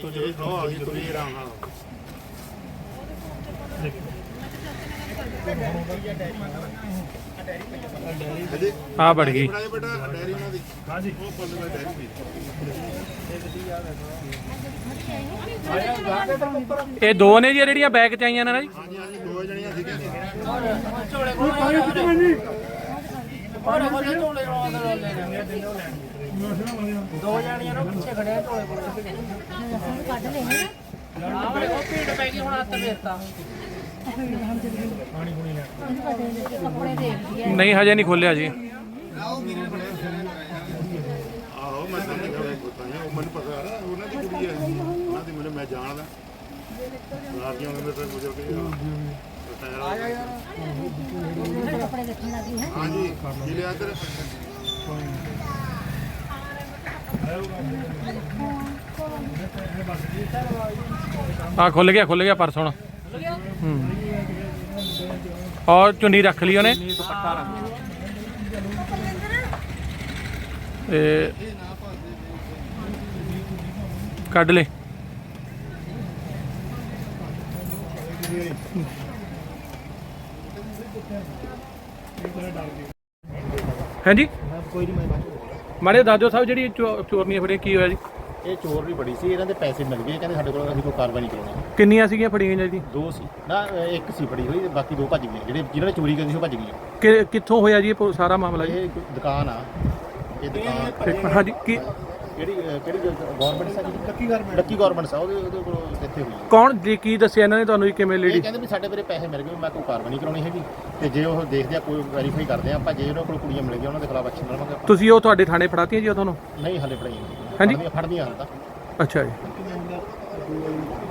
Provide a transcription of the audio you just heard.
ਆ बढ़ गई। ਇਹ ਦੋ ਨੇ ਜੀ ਜਿਹੜੀਆਂ ਬੈਗ ਚ ਆਈਆਂ ਨੇ ਨਾ ਜੀ। ਦੋ ਜਾਣੀਆਂ ਨੂੰ ਪਿੱਛੇ ਖੜਿਆ ਝੋਲੇ ਕੋਲ ਕੱਢ ਲੈ ਉਹ ਭੀੜ ਪੈ ਗਈ ਹੁਣ ਹੱਥ ਫੇਰਤਾ ਨਹੀਂ ਹਜੇ ਨਹੀਂ ਖੋਲਿਆ ਜੀ। ਆਹੋ ਮੈਂ ਮੈਨੂੰ ਪਤਾ ਉਹਨਾਂ ਦੀ ਕੁੜੀ ਹੈ ਉਹਨਾਂ ਦੀ ਮੈਨੂੰ ਮੈਂ ਜਾਣਦਾ ਰਾਤੀਆਂ ਉਹਨਾਂ ਦੇ ਗੁਜ਼ਰ ਕੇ ਆਇਆ ਯਾਰ ਕੱਪੜੇ ਦੇਖਣ ਲੱਗੀ ਹੈ ਹਾਂਜੀ ਜੀ ਲਿਆ ਇੱਧਰ हाँ खुल गया पर्स हुण। और चुन्नी रख ली उन्हें कढ़ ले। हैं जी माड़े दादो साहब जी चोरनियां फड़ियां की होया जी? ਇਹ ਚੋਰ ਵੀ ਬੜੀ ਸੀ ਇਹਨਾਂ ਦੇ ਪੈਸੇ ਮਿਲ ਗਏ ਕਹਿੰਦੇ ਸਾਡੇ ਕੋਲ ਅਸੀਂ ਕੋਈ ਕਾਰਵਾਈ ਨਹੀਂ ਕਰਾਉਣੀ। ਕਿੰਨੀਆਂ ਸੀਗੀਆਂ ਫੜੀਆਂ ਜੀ? ਦੋ ਸੀ ਨਾ ਇੱਕ ਸੀ ਫੜੀ ਹੋਈ ਬਾਕੀ ਦੋ ਭੱਜ ਗਏ ਜਿਹੜੇ ਜਿਨ੍ਹਾਂ ਨੇ ਚੋਰੀ ਕੀਤੀ ਸੀ ਉਹ ਭੱਜ ਗਏ। ਕਿੱਥੋਂ ਹੋਇਆ ਜੀ ਇਹ ਸਾਰਾ ਮਾਮਲਾ ਜੀ? ਇਹ ਦੁਕਾਨ ਆ ਇਹ ਦੁਕਾਨ ਹਾਂਜੀ ਕੀ ਕਿਹੜੀ ਗਵਰਨਮੈਂਟ ਸਾ ਲੱਕੀ ਗਵਰਨਮੈਂਟ ਸਾ ਉਹਦੇ ਕੋਲ ਇੱਥੇ ਹੋਈ। ਕੌਣ ਜੀ ਕੀ ਦੱਸਿਆ ਇਹਨਾਂ ਨੇ ਤੁਹਾਨੂੰ ਜੀ ਕਿਵੇਂ ਇਹ ਲੇਡੀ? ਕਹਿੰਦੇ ਵੀ ਸਾਡੇ ਮੇਰੇ ਪੈਸੇ ਮਿਲ ਗਏ ਮੈਂ ਕੋਈ ਕਾਰਵਾਈ ਨਹੀਂ ਕਰਾਉਣੀ ਹੈਗੀ ਤੇ ਜੇ ਉਹ ਦੇਖਦੇ ਆ ਕੋਈ ਵੈਰੀਫਾਈ ਕਰਦੇ ਆ ਆਪਾਂ ਜੇ ਉਹਨਾਂ ਕੋਲ ਕੁੜੀਆਂ ਮਿਲ ਗਈਆਂ ਉਹਨਾਂ ਦੇ ਖਿਲਾਫ ਐਕਸ਼ਨ ਲਵਾਂਗੇ ਆਪਾਂ। ਤੁਸੀਂ ਉਹ ਤੁਹਾਡੇ ਥਾਣੇ ਫੜਾਤੀਆਂ ਜੀ ਉਹ ਤੁਹਾਨੂੰ? ਨਹੀਂ ਹਲੇ ਫੜਾਈ ਹਾਂਜੀ ਫੜਦੀਆਂ ਹਾਲ ਤਾਂ। ਅੱਛਾ ਜੀ।